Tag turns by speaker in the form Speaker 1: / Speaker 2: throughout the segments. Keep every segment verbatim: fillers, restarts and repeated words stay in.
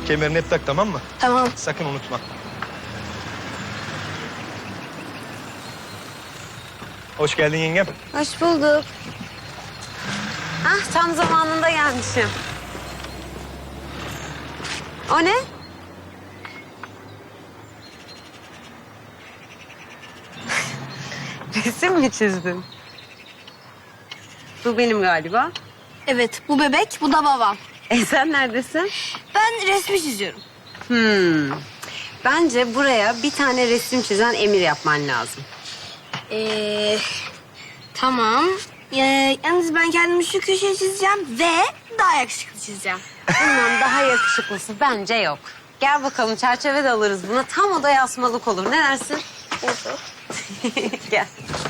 Speaker 1: Kemerini hep tak, tamam mı?
Speaker 2: Tamam.
Speaker 1: Sakın unutma. Hoş geldin yengem.
Speaker 2: Hoş bulduk. Hah, tam zamanında gelmişim. O ne? Resim mi çizdin? Bu benim galiba.
Speaker 3: Evet, bu bebek, bu da babam.
Speaker 2: E sen neredesin?
Speaker 3: Ben resmi çiziyorum.
Speaker 2: Hmm. Bence buraya bir tane resim çizen Emir yapman lazım.
Speaker 3: Ee, tamam. Ee, yalnız ben kendimi şu köşeye çizeceğim ve daha yakışıklı çizeceğim.
Speaker 2: Bundan daha yakışıklısı bence yok. Gel bakalım, çerçeve de alırız buna. Tam odaya asmalık olur. Ne dersin?
Speaker 3: Oldu.
Speaker 2: Gel.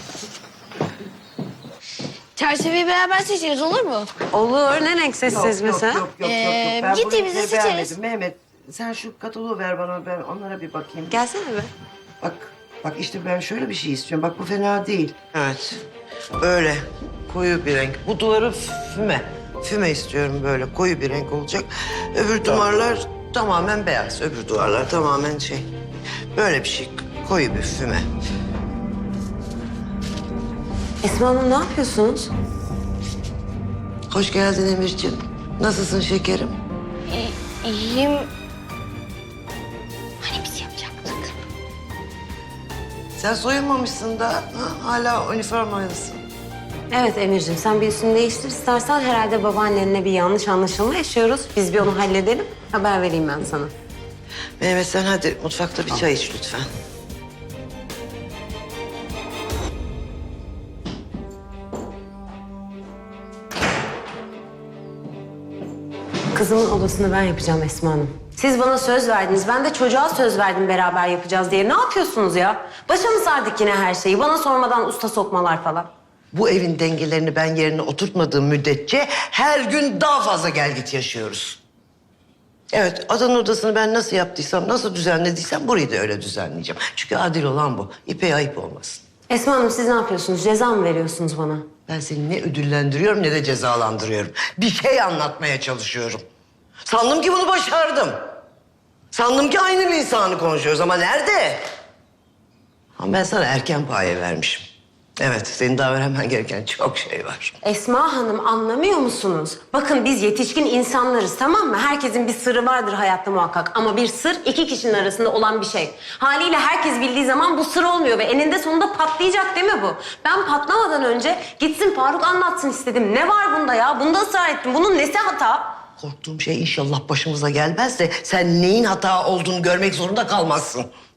Speaker 3: Çerçeveyi beraber seçeriz, olur mu?
Speaker 2: Olur. Ne renk seçeceğiz mesela?
Speaker 4: Yok, yok, yok,
Speaker 3: Ee,
Speaker 4: yok, yok. Ben bu
Speaker 3: gittiğimizde
Speaker 4: renkleri
Speaker 3: seçeriz.
Speaker 4: beğenmedim. Mehmet, sen şu kataloğu ver bana, ben onlara bir bakayım.
Speaker 2: Gelsene be.
Speaker 4: Bak, bak işte ben şöyle bir şey istiyorum. Bak bu fena değil.
Speaker 5: Evet. Böyle koyu bir renk. Bu duvarı füme. Füme istiyorum böyle koyu bir renk olacak. Öbür duvarlar tamamen beyaz. Öbür duvarlar tamamen şey. Böyle bir şey. Koyu bir füme.
Speaker 2: Esma Hanım, ne yapıyorsunuz?
Speaker 5: Hoş geldin Emirciğim. Nasılsın şekerim?
Speaker 3: İ- İyiyim. Hani biz yapacaktık?
Speaker 5: Sen soyunmamışsın da ha, hala üniformalısın.
Speaker 2: Evet Emir'ciğim, sen bir üstünü değiştir istersen. Herhalde babaannenle bir yanlış anlaşılma yaşıyoruz. Biz bir onu halledelim. Haber vereyim ben sana.
Speaker 5: Mehmet sen hadi mutfakta bir çay iç lütfen.
Speaker 2: Kızımın odasını ben yapacağım Esma Hanım. Siz bana söz verdiniz. Ben de çocuğa söz verdim beraber yapacağız diye. Ne yapıyorsunuz ya? Başa mı sardık yine her şeyi? Bana sormadan usta sokmalar falan.
Speaker 5: Bu evin dengelerini ben yerine oturtmadığım müddetçe her gün daha fazla gel git yaşıyoruz. Evet, adanın odasını ben nasıl yaptıysam, nasıl düzenlediysem burayı da öyle düzenleyeceğim. Çünkü adil olan bu. İpe ayıp olmasın.
Speaker 2: Esma Hanım, siz ne yapıyorsunuz? Ceza mı veriyorsunuz bana?
Speaker 5: Ben seni ne ödüllendiriyorum ne de cezalandırıyorum. Bir şey anlatmaya çalışıyorum. Sandım ki bunu başardım. Sandım ki aynı bir insanı konuşuyoruz ama nerede? Ama ben sana erken paye vermişim. Evet, senin daha öğrenmen gereken çok şey var.
Speaker 2: Esma Hanım, anlamıyor musunuz? Bakın biz yetişkin insanlarız, tamam mı? Herkesin bir sırrı vardır hayatta muhakkak. Ama bir sır iki kişinin arasında olan bir şey. Haliyle herkes bildiği zaman bu sır olmuyor ve eninde sonunda patlayacak değil mi bu? Ben patlamadan önce gitsin Faruk anlatsın istedim. Ne var bunda ya? Bunda ısrar ettim. Bunun nesi hata?
Speaker 5: Korktuğum şey inşallah başımıza gelmez de sen neyin hata olduğunu görmek zorunda kalmazsın.